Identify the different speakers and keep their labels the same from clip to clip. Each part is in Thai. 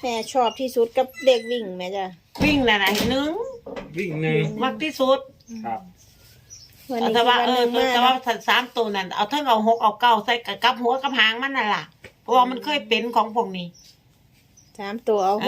Speaker 1: แม่ชอบที่สุดกับเด็กวิ่งแม่จ้ะ
Speaker 2: วิ่งน่ะนะหนึ่ง
Speaker 3: วิ่งหนึ่ง
Speaker 2: มักที่สุด
Speaker 3: ครับ
Speaker 1: วันนี้
Speaker 2: แต่ว่า
Speaker 1: คือวันหนึ่ง
Speaker 2: แต่
Speaker 1: มา
Speaker 2: ว่าสามตัวนั่นเอาทั้งเอาหกเอาเก้าใส่กับหัวกับหางมันน่ะล่ะเพราะว่ามันเคยเป็นของพวกนี้
Speaker 1: 3 ตัวเอา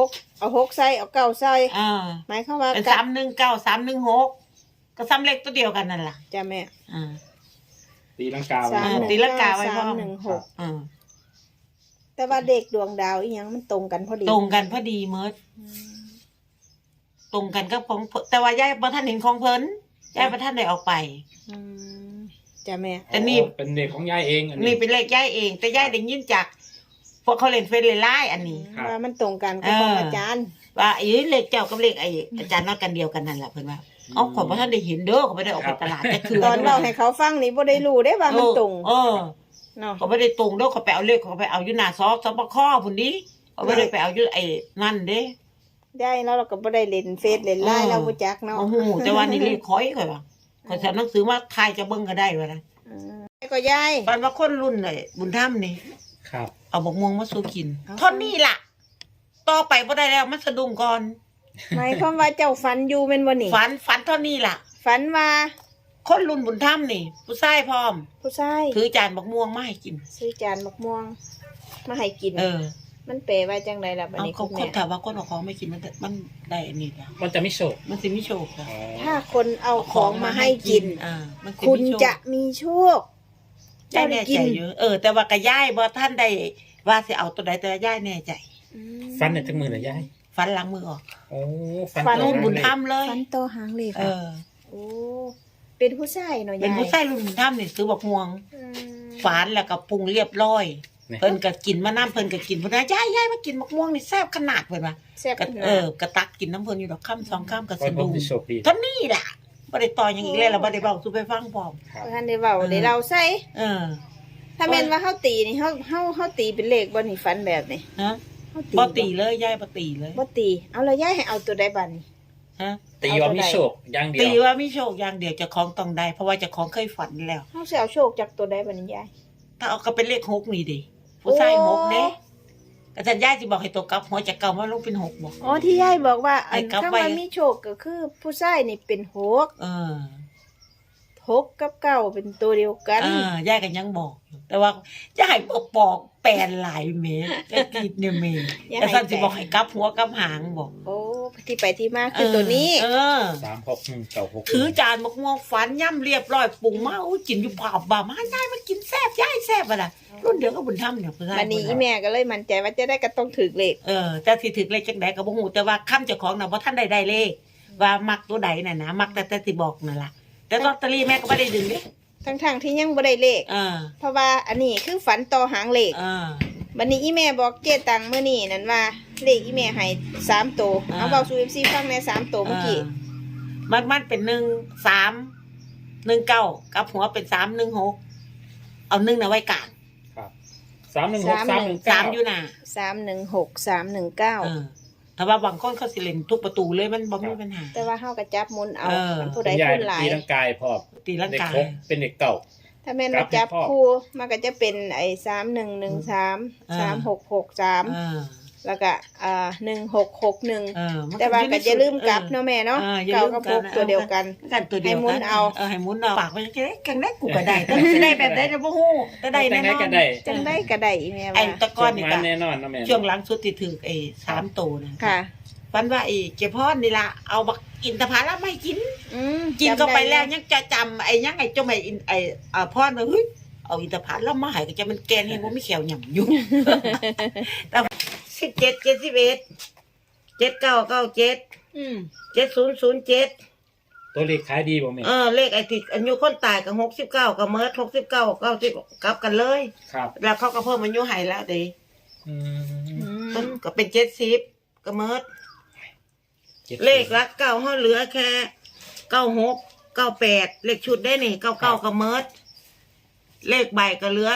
Speaker 1: 6ใส่เอา9ใส่ หมายความว่า
Speaker 2: เป็น
Speaker 1: กั
Speaker 2: 319 316ก็ซ้ำเลขตัวเดียวกันนั่นล่ะ
Speaker 1: จ้ะแม่
Speaker 2: อ่า
Speaker 3: ตีลังกา
Speaker 1: สาม
Speaker 2: ตีลังกาไว้พร้อม
Speaker 1: 316
Speaker 2: อ่า
Speaker 1: แต่ว่าเด็กดวงดาวอีหยังมันตรงกันพอดี
Speaker 2: ตรงกันพอดีเมิดตรงกันกับของแต่ว่ายายบ่ทันเห็นของเพิ่นยายบ่ทันได้ออกไป
Speaker 1: อืมจ้ะแม่
Speaker 2: แต่นี่
Speaker 3: เป็นเด็กของยายเองอัน
Speaker 2: นี่
Speaker 3: นี้
Speaker 2: เป็นเลขยายเอง แต่ยายได้ยินจากพวกเขาเล่นเฟซไลน์อันนี้
Speaker 3: ครับ
Speaker 1: ว่ามันตรงกันกับของอาจารย์
Speaker 2: ว่าไอ้เลขเจ้ากับเลขไอ้อาจารย์นัดกันเดียวกันนั่นแหละเพิ่นว่าเอาขอยบ่ทันได้เห็นเด้อเขาบ่ได้ออกไปตลาดแต่คือ
Speaker 1: ตอนเราให้เขาฟังนี่บ่ได้รู้ได้ว่ามันตรง
Speaker 2: เออ
Speaker 1: เนาะ
Speaker 2: เขาบ่ได้ตรงเด้อเขาไปเอาเลขเขาไปเอาอยู่หน้าสบคพุ่นดิเขาบ่ได้ไปเอาอยู่ไอ้นั่นเด้
Speaker 1: ได้แล้วเราก็บ่ได้เล่นเฟซเล่นไลน์เราบ่จักเนาะ
Speaker 2: โอ้โหแต่ว่านี่เลขข่อยว่าข่อยสอนหนังสือมาทายจะเบิ่งก็ได้ว่านะ
Speaker 1: ก็ยาย
Speaker 2: ปานว่าคนรุ่นไอ้บุญธรรมนี่
Speaker 3: ครับ
Speaker 2: เอาบักม่วงมาสู่กิน
Speaker 1: เอา
Speaker 2: เท่านี้ล่ะ ต่อไปบ่ได้แล้วมันสะดุ้งก่อน
Speaker 1: หมายความว่าเจ้าฝันอยู่แม่นบ่นี่
Speaker 2: ฝันเท่านี้ล่ะ
Speaker 1: ฝันว่า
Speaker 2: คนรุ่นบุญธรรมนี่ ผู้ชายพร้อม
Speaker 1: ผู้ชาย
Speaker 2: ถือจานบักม่วงมาให้กิน
Speaker 1: ซื้อจานมะม่วงมาให้กิน มันแปลว่าจังไดล่ะบัด
Speaker 2: เอา
Speaker 1: นี้
Speaker 2: เขา
Speaker 1: คุณ
Speaker 2: ค
Speaker 1: แม่
Speaker 2: นถามว่าคนเอาของไม่กินมันได้อันนี้แล้ว
Speaker 3: มันจะไม่โฉก
Speaker 2: มันสิมีโชคค่ะ
Speaker 3: อ๋อ
Speaker 1: ถ้าคนเอาของมาให้กิน
Speaker 2: มันสิ
Speaker 1: คุณ
Speaker 2: มีโช
Speaker 1: จะมีโชค
Speaker 2: ย่ายแน่ใจอยู่แต่ว่ากะย่ายบ่ท่านได้ว่าสิเอาตัวใดแต่ย่ายแน่ใจ
Speaker 1: อืม
Speaker 3: ฟันเนี่ยทั้งมือเลยยาย
Speaker 2: ฟันหลังมือออก
Speaker 3: โอ้
Speaker 1: ฟัน
Speaker 2: รุ่นบุญธรรมเลย
Speaker 1: ฝันต่อหางเลข
Speaker 2: เอ
Speaker 1: ค่ะ
Speaker 2: อ
Speaker 1: โอ้เป็นผู้ชายเนาะยาย
Speaker 2: เป็นผู้ชายรุ่นบุญธรรมนี่ซื้อบักม่วง
Speaker 1: อืม
Speaker 2: ฝานแล้วก็ปรุงเรียบร้อย
Speaker 3: เนี่ย
Speaker 2: เพิ่นก็กินมาน้ำเพิ่นก็กินเพิ่นว่าย่ายมากินบักม่วงนี่แซ่บขนาดเพิ่นว่า
Speaker 1: แซ่บ
Speaker 2: ก็
Speaker 1: ขนาด
Speaker 2: กระตักกินน้ำเพิ่นอยู่ดอกค่ำสองค่ำก็
Speaker 3: ก็
Speaker 2: สะ
Speaker 3: ผม
Speaker 2: ดุ้ง
Speaker 3: จะโชคดี
Speaker 2: เท่านี้ล่ะบ่ได้ต่ออย่างอีกแล้วล่ะบ่ได้เว้าสู่ไปฟังพร้อม
Speaker 3: ครับ
Speaker 1: ท่านได้เว้าได้เราใส่
Speaker 2: เออ
Speaker 1: ถ้าแม่นว่าเฮาตีนี่เฮาตีเป็นเลขบ่นี่ฝันแบบนี้
Speaker 2: ฮะ
Speaker 1: เฮา
Speaker 2: บ่ตีเลยย่ายบ่ตีเลย
Speaker 1: บ่ตีเอาแล้วยายให้เอาตัวใดบัดนี้
Speaker 2: ฮะ
Speaker 3: ตีว่ามีโชคอย่างเดีย
Speaker 2: ตี
Speaker 3: ว
Speaker 2: ว่ามีโชคอย่างเดียวเจะคล้าของต้องได้ เพราะว่าเจะคล้าของเคยฝันแล้ว
Speaker 1: เฮาสิเอาโชคจากตัวใดบัดนี้ยาย
Speaker 2: ถ้าเอาก็เป็นเลขหกนี่ดิผู้ชายหกเด้อาจารย์ย่าสิบอกให้ตัวกลับหัวจากเก่ามาลงเป็นหกบอก
Speaker 1: อ๋อที่ยายบอกว่าอัน
Speaker 2: ให้กลับ
Speaker 1: คำ
Speaker 2: ไว้
Speaker 1: ว่ามีโชคก็คือผู้ชายนี่เป็นหก
Speaker 2: เออ
Speaker 1: หกกับเก้าเป็นตัวเดียวกัน
Speaker 2: ย่ากันยังบอกอยู่แต่ว่าจะให้ปอกแปลนหลายเมตรจะกิดเนี่ยเมตรแต่ท่านสิบอกให้กลับหัวกลับหางบอก
Speaker 1: โอ้ที่ไปที่มาคือตัวนี้
Speaker 3: 361966
Speaker 2: ถือจานมะม่วงฝันย่ำเรียบร้อยปรุงมาอู้กินอยู่ผ่าบ่ามาย่ายมากินแซ่บย่ายแซ่บอะไรรุ่นเดียวก็บุญธรรมเนี่ยผู้ชาย
Speaker 1: วันนี้อีแม่ก็เลยมั่นใจว่าจะได้ก็ต้องถือเลข
Speaker 2: แต่สิถึกเลขจังไดก็บ่ฮู้แต่ว่าคำเจ้าของน่ะบ่ทันได้เลขว่ามักตัวใดน่ะนะมักแต่สิบอกนั่นล่ะแต่ลอตเตอรี่แม่ก็บ่ได้ดึงเด้
Speaker 1: ทั้งๆที่ยังบ่ได้เลข เพราะว่าอันนี้คือฝันต่อหางเลขวันนี้อีแม่บอกเจตังเมื่อนี้นั่นว่าเลขอีแม่ให้3ตัวเอาเบาสู่ FC ฟังใน3ตัวเมื่อกี้
Speaker 2: มันเป็น1319กับหัวเป็น316เอา1น่ะไว้กลาง
Speaker 3: ครับ316
Speaker 2: 3อยู่น่ะ
Speaker 1: 316 319
Speaker 2: ถ้าว่าบางคนเขาสิเล่นทุกประตูเลยมันบ่มีปัญหา
Speaker 1: แต่ว่าเฮาก็จับหมุนเอา
Speaker 2: มัน
Speaker 1: ผู้
Speaker 3: 319
Speaker 1: ใด
Speaker 3: คุณยาย
Speaker 1: ผู้หลาย
Speaker 3: ตีร่างกายพร้อม
Speaker 2: ตีลัง
Speaker 3: เด็ก
Speaker 2: กา
Speaker 3: หกเป็นเด็กเก่า
Speaker 1: ถ้าแม่นว่าจับคู่มันก็จะเป็นไอ้3113 3663แล้วก็1661แต่ว่าก็จะลืมกลับเนาะแม่เนาะเก่ากับ6ตัวเดียวกัน
Speaker 2: กันตัวเดียว
Speaker 1: ให้หมุนเอา
Speaker 2: ให้หมุนเอาฝากไว้จังได๋กันได้กูก็ได้แต่สิได้แบบใดก็บ่ฮู้แต่ได้แน่นอน
Speaker 3: ก็ได้
Speaker 1: จังได้ก็ได้อีแม่
Speaker 2: ไอ้
Speaker 1: ว่า
Speaker 2: ตะกอนนี่
Speaker 3: โชค
Speaker 2: ก็
Speaker 3: มาแน่นอนนะแม่
Speaker 2: ช่วงหลังสุดที่ถือไอ้3ตัวนะ
Speaker 1: ค่ะ
Speaker 2: ฝันว่าไอ้เจ้าพ่อนี่ล่ะเอาบักอินทผลัมให้กิน กิน
Speaker 1: จำ
Speaker 2: ก็ไป
Speaker 1: ด้
Speaker 2: แล้วยังจะจำไอ้ยังไอ้เจ้าแม่อินไอ้พ่อมาเฮ้ยเอาอินทผลัมมาให้ก็จะมันแกนเห็นบ่มีแขวหย่ำอยู่ แต่17 71 7997 7007
Speaker 3: ตัวเลขขายดีบ่แม่
Speaker 2: เลขไอ้ที่อายุคนตายกับ69กับเมิร์ด69 90กลับกันเลย
Speaker 3: ครับ
Speaker 2: แล้วเขาก็เพิ่มอายุให้แล้วเด้
Speaker 3: อืม
Speaker 2: ต้นก็เป็น70กับเมิร์ดเลขละ9เฮาเหลือแค่96 98เลขชุดได้นี่99กับเมิร์ดเลขใบก็เหลือ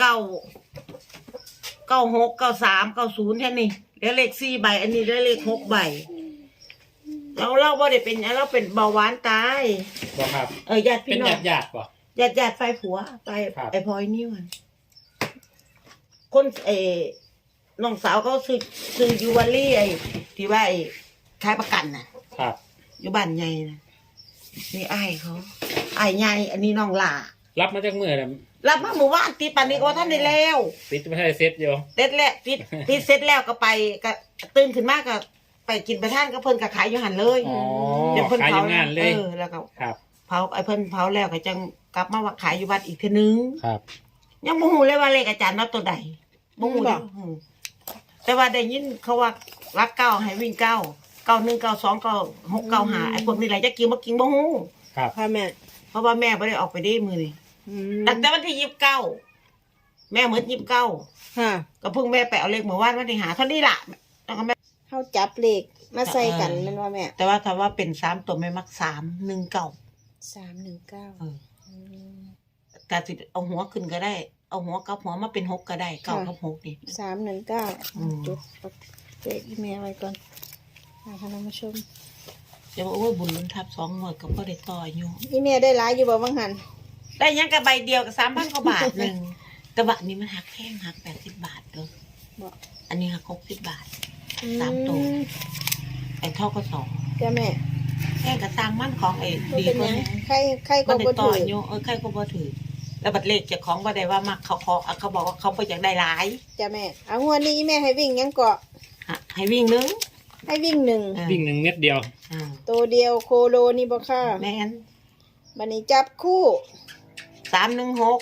Speaker 2: 96 93 90แค่นี้แล้วเลข4ใบอันนี้ได้เลข6ใบเราบ่ได้เป็นเราเป็นเบาหวานตาย
Speaker 3: บ่ครับ
Speaker 2: ญาติ
Speaker 3: เป็
Speaker 2: พี่
Speaker 3: น
Speaker 2: น้อง
Speaker 3: ญาติบ่
Speaker 2: ญาติไฟผัวไฟ
Speaker 3: ครับ
Speaker 2: ไอ้พลอยนี่มันคนน้องสาวเขาซื้อยูวาลี่ไอ้ที่ว่าไอ้ขายประกันน่ะ
Speaker 3: ครับ
Speaker 2: อยู่บ้านใหญ่นะนี่อ้ายเขาอ้ายใหญ่อันนี้น้องหล่า
Speaker 3: รับมาจากเมื่อนะ
Speaker 2: รับมาหมู่บ้านตีปันนี้ก็ว่าท่านได้แล้ว
Speaker 3: ติดไม่ใช่เซ็ตอยู่
Speaker 2: เสร็จแล้วติดเสร็จแล้วก็ไปก็ตื่นขึ้นมาก็ไปกินไปท่านก็เพิ่นก็ขายอยู่หันเลย
Speaker 3: อ๋อ
Speaker 2: เดี๋ยวเพิ่น
Speaker 3: ขายอ
Speaker 2: เผา
Speaker 3: ยู่งานเลย
Speaker 2: แล้วก็
Speaker 3: ครับ
Speaker 2: เผาไอ้เพิ่นเผาแล้วก็จังกลับมาว่าขายอยู่วัดอีกทีนึง
Speaker 3: ครับ
Speaker 2: ยังบ่ฮู้เลยว่าเลขอาจารย์นับตัวใดบ่ฮู้เด้อแต่ว่าได้ยินเขาว่ารักเก้าให้วิ่งเก้า91 92 96 95ไอ้พวกนี้แหละจะกินบ่กินบ่ฮู้
Speaker 3: ครับ
Speaker 1: ค่ะแม่
Speaker 2: เพราะว่าแม่บ่ได้ออกไปได้มื้อนี้
Speaker 1: อืม
Speaker 2: ตั้งแต่วันที่29แม่หมด29
Speaker 1: ค่ะ
Speaker 2: ก็เพิ่งแม่ไปเอาเลขเมื่อวานวันที่หาเท่านี้ล่ะแล้วก็แม่
Speaker 1: เฮาจับเลขมาใส่กันแม่นว่าแม่
Speaker 2: แต่ว่าถ้าว่าเป็น3ตัวแม่มัก319
Speaker 1: 319
Speaker 2: เออแต่สิเอาหัวขึ้นก็ได้ เอาหัวกับหัวมาเป็น6ก็ได้9กับ6นี่
Speaker 1: 319จุดเลขอีเมลไว้ก่อนค่ะท่านผู้ชม
Speaker 2: จะบอกว่าบุญลุ้นทับ2หมดก็บ่ได้ต่ออยู่
Speaker 1: อีเมลได้หลายอยู่บ่บางหัน
Speaker 2: ได้ยังกับใบเดียวกับ3,000กว่าบาทหนึงแต่บัดนี้มันหักแพงหัก80บาทเด้อ
Speaker 1: บ่
Speaker 2: อันนี้หัก60บาท 3 ตัว ไอ้เท่าก็2
Speaker 1: จ้าแม่
Speaker 2: แค่กระสร้างมันของไอ้
Speaker 1: บ่
Speaker 2: ดี
Speaker 1: เป็น
Speaker 2: ก
Speaker 1: ห
Speaker 2: ว่า
Speaker 1: ยัง
Speaker 2: นี้
Speaker 1: ใครก็
Speaker 2: มันได้
Speaker 1: บ่
Speaker 2: ต่
Speaker 1: ถื
Speaker 2: อ
Speaker 1: อ
Speaker 2: อยู่ใครก็บ่ถือแล้วบัดเลขเจ้าของบ่ได้ว่ามักเขาเขาบอกว่าเขาบ่อยากได้หลาย
Speaker 1: จ้าแม่เอางวดนี้อีแม่ให้วิ่งหยังเกาะ
Speaker 2: ให้วิ่งนึง
Speaker 1: ให้วิ่งหนึ่ง
Speaker 3: วิ่ง1 เม็ดเดียว
Speaker 1: ตัวเดียวโคโลนี่บ่ค่ะ
Speaker 2: แม่น
Speaker 1: บัดนี้จับคู่
Speaker 2: 316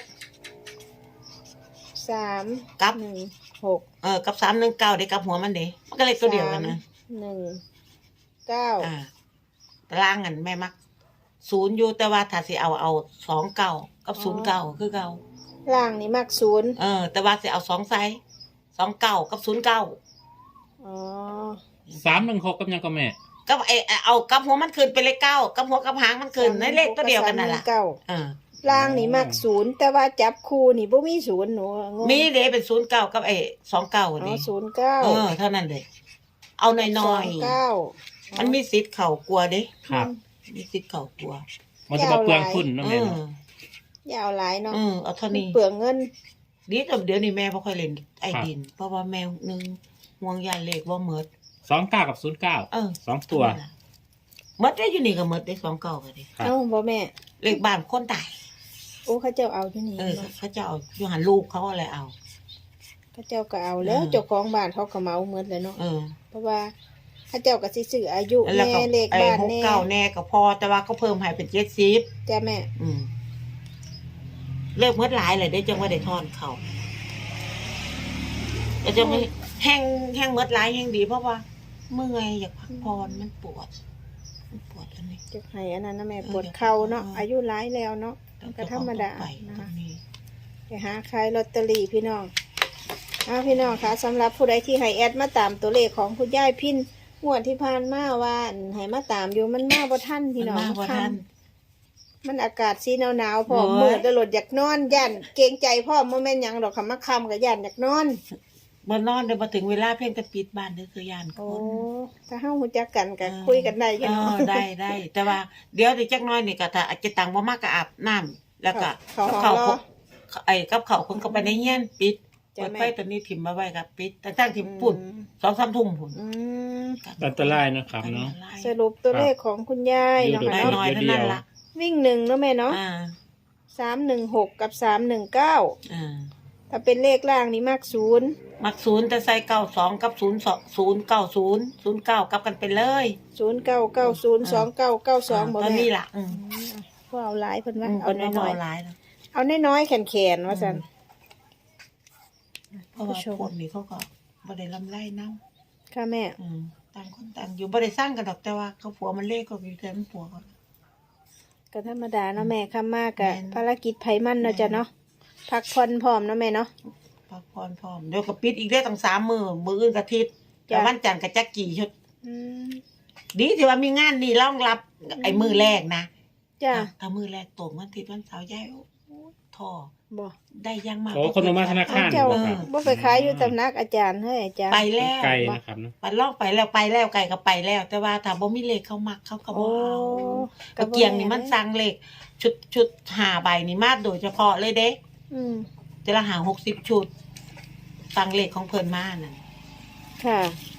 Speaker 1: 3
Speaker 2: กับ
Speaker 1: 1
Speaker 2: กับ319ได้กับหัวมันเด้มันก็เลขตัวเดียวกันนะ
Speaker 1: 1 9
Speaker 2: ตารางกันแม่มัก0อยู่แต่ว่าถ้าสิเอา29กับ09คือเก่า
Speaker 1: ล่างนี่มัก0
Speaker 2: แต่ว่าสิเอา2ไซส์29กับ09
Speaker 1: อ๋อ
Speaker 3: 316กับยังก็แม่
Speaker 2: กับเอากับหัวมันขึ้นเป็นเลข9กับหัวกับหางมันขึ้นในเลขตัวเดียวกันนั่นล่ะ
Speaker 1: 319ล่างนี่มัก0แต่ว่าจับคู่นี่บ่มี0หนูงง
Speaker 2: มีเด้เป็น09กับ29
Speaker 1: อ๋อ
Speaker 2: นี่
Speaker 1: 09
Speaker 2: เท่านั้นเลยเอาน้อยๆมันมีสิทธิ์เข้ากลัวเด้
Speaker 3: ครับ
Speaker 2: มีสิทธิ์เข้ากลัว
Speaker 3: มันจะมาเปลืองทุนเนาะแม่เนาะ
Speaker 1: ยาวหลายเนาะ
Speaker 2: เอาเท่า
Speaker 1: มัน
Speaker 2: นี้
Speaker 1: เปลืองเงิน
Speaker 2: ดีแต่เดี๋ยวนี้แม่บ่ค่อยเล่นไอ้ดิน เพราะว่าแม่นึงห่วงยานเลขบ่หมด
Speaker 3: 29กับ09 2ตัว
Speaker 2: หมดได้อยู่นี่ก็หมดได้29ก็ดิ
Speaker 3: ครับ
Speaker 1: เอ้าบ่แม่
Speaker 2: เลขบ้านคนตาย
Speaker 1: โอ้เขาเจ้าเอาอยู่นี่
Speaker 2: เขาจะเอาอยู่หันลูกเขาอะไรเอา
Speaker 1: เขาเจ้าก็เอาแล้วเจ้าของบ้านเขาก็เมาหมดเลยเนาะเพราะว่าเขาเจ้าก็สิซื้ออายุ
Speaker 2: แล้ว
Speaker 1: แน่
Speaker 2: ก็
Speaker 1: เลขบ้านแน่
Speaker 2: 69แน่ก็พอแต่ว่าเขาเพิ่มให้เป็น70
Speaker 1: จ้าแม่
Speaker 2: เลิกเมื่อหลายเลยได้จังว่าได้ทอนเขาแต่จังไม่แห้งเมื่อหลายแห้งดีเพราะว่าเมื่อยอยากพักผ่อนมันปวดอันนี้
Speaker 1: จะให้อันนั้นนะแม่ปวดเข่าเนาะอายุหลายแล้วเนาะก็ธรรมดา
Speaker 2: ไป
Speaker 1: นะคะ
Speaker 2: ตรงนี้
Speaker 1: ไปหาขายลอตเตอรี่พี่น้องพี่น้องคะสำหรับผู้ใดที่ให้แอดมาตามตัวเลขของคุณยายพินงวดที่ผ่านมาว่าให้มาตามอยู่มันมาบ่ทันพี่น้อง
Speaker 2: มันมากกว่าท่าน
Speaker 1: มันอากาศสีหนาวๆพอ
Speaker 2: โอ้ย
Speaker 1: มืดตลอดอยากนอนย่านเกรงใจพ่อโมแม่นหยังดอกคำมาคำกับย่านอยากนอน
Speaker 2: มานอนเดี๋ยวมาถึงเวลาเพ่งจะปิดบ้านเด้อคือยานค
Speaker 1: โอ้
Speaker 2: น
Speaker 1: ถ้าเฮาฮู้จักกันก็คุยกันได้กันเนาะ
Speaker 2: ได้แต่ว่าเดี๋ยวจักหน้อยนี่ก็ถ้าอาจจะตังบ่มากก็อาบน้ำแล้วก็
Speaker 1: เขารอ
Speaker 2: กับเขาคนเข้าไปในเฮียนปิด
Speaker 1: จ้ะ
Speaker 2: เปิด
Speaker 1: แม่
Speaker 2: ไฟตัวนี้ถิ่มมาไว้ครับปิดแต่ตั้งถิ่มปุ่น 2-3 ทุ่มพุ่น
Speaker 1: อืม
Speaker 3: อันตรายนะครับเนาะ
Speaker 1: สรุปตัวเลขของคุณยายเนาะค่ะ
Speaker 2: น้อย
Speaker 1: เนาะ
Speaker 2: ๆเท่านั้นล่ะ
Speaker 1: วิ่งหนึ่งเนาะแม่เนาะ 316กับ319ถ้าเป็นเลขล่างนี่มาก0
Speaker 2: มัก0แต่ใส่92กับ090 09กลับกันไปเลย
Speaker 1: 09902992บ่
Speaker 2: ตอน
Speaker 1: แม่
Speaker 2: นี้ล่ะ
Speaker 1: ก็เอาหลายเพิ่นว่า
Speaker 2: เอา
Speaker 1: เอา
Speaker 2: น้
Speaker 1: น้
Speaker 2: อ
Speaker 1: อย ย
Speaker 2: ๆหลายแล้ว
Speaker 1: ๆเอาน้อยๆแขนๆว่าซั่น
Speaker 2: เพราะว่าพวกนี้เขาก็บ่ได้ลำไรเนา
Speaker 1: ค่ะแม่
Speaker 2: ต่างคนต่างอยู่บ่ได้สร้างกันดอกแต่ว่าเขาผัวมันเลขก็อยู่แต่มันผัวเขา
Speaker 1: ก็ธรรมดาเนาะแม่ค่ำมากกะ
Speaker 2: แม่น
Speaker 1: ภารกิจไผมันเนาะจ้ะเนาะพักผ่อนพร้อมเนาะแม่เนาะ
Speaker 2: พักผ่อนพร้อมเดี๋ยวก็ปิดอีกได้ตั้ง3 มื้ออื่นก็อาทิตย์
Speaker 1: จ้ะ
Speaker 2: แต่วันจันทร์ก็จักกี่ชุด
Speaker 1: อืม
Speaker 2: ดีที่ว่ามีงานนี่รองรับไอ้มื้อแรกนะ
Speaker 1: จ้ะ
Speaker 2: ถ้ามื้อแรกตกวันอาทิตย์วันเสาร์ยายโอ้ท้อ
Speaker 1: บ่
Speaker 2: ได้ยังมาก
Speaker 3: โอ้คนมาธนาคาร
Speaker 1: เจ้า
Speaker 3: ครับ
Speaker 1: บ่ไปขายอยู่ตำนักอาจารย์เฮ้ยอาจารย์
Speaker 2: ไปแล้ว
Speaker 3: ไกลนะครับเนาะ
Speaker 2: ปันลอกไปแล้วไก่ก็ไปแล้ว แต่ว่าถ้าบ่มีเลขเขามักเขาก็บ่
Speaker 1: โอ้
Speaker 2: เอา
Speaker 1: ก็
Speaker 2: ก
Speaker 1: บ่
Speaker 2: เกียงนี่มันสั่งเลขชุด5ใบนี่มาโดยเฉพาะเลยเด้
Speaker 1: อืม
Speaker 2: แต่ละหา60ชุดสั่งเลขของเพิ่นมานั่น
Speaker 1: ค่ะ